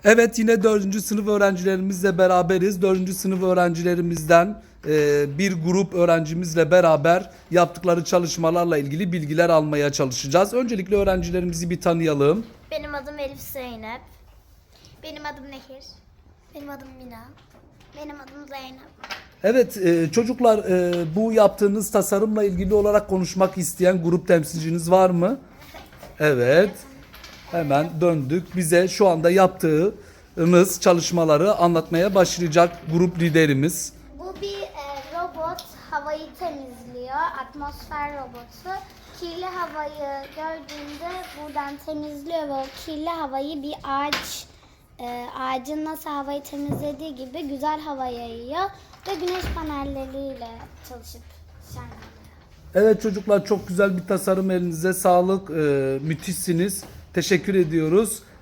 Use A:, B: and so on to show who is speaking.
A: Evet, yine 4. sınıf öğrencilerimizle beraberiz. 4. sınıf öğrencilerimizden bir grup öğrencimizle beraber yaptıkları çalışmalarla ilgili bilgiler almaya çalışacağız. Öncelikle öğrencilerimizi bir tanıyalım.
B: Benim adım Elif Zeynep. Benim adım Nehir. Benim adım Mina. Benim adım Zeynep.
A: Evet, çocuklar, bu yaptığınız tasarımla ilgili olarak konuşmak isteyen grup temsilciniz var mı? Evet. Hemen döndük. Bize şu anda yaptığınız çalışmaları anlatmaya başlayacak grup liderimiz.
B: Bu bir robot havayı temizliyor. Atmosfer robotu. Kirli havayı gördüğünde buradan temizliyor ve o kirli havayı bir ağacın nasıl havayı temizlediği gibi güzel hava yayıyor ve güneş panelleriyle çalışıp şenleniyor.
A: Evet çocuklar, çok güzel bir tasarım, elinize sağlık. Müthişsiniz. Teşekkür ediyoruz.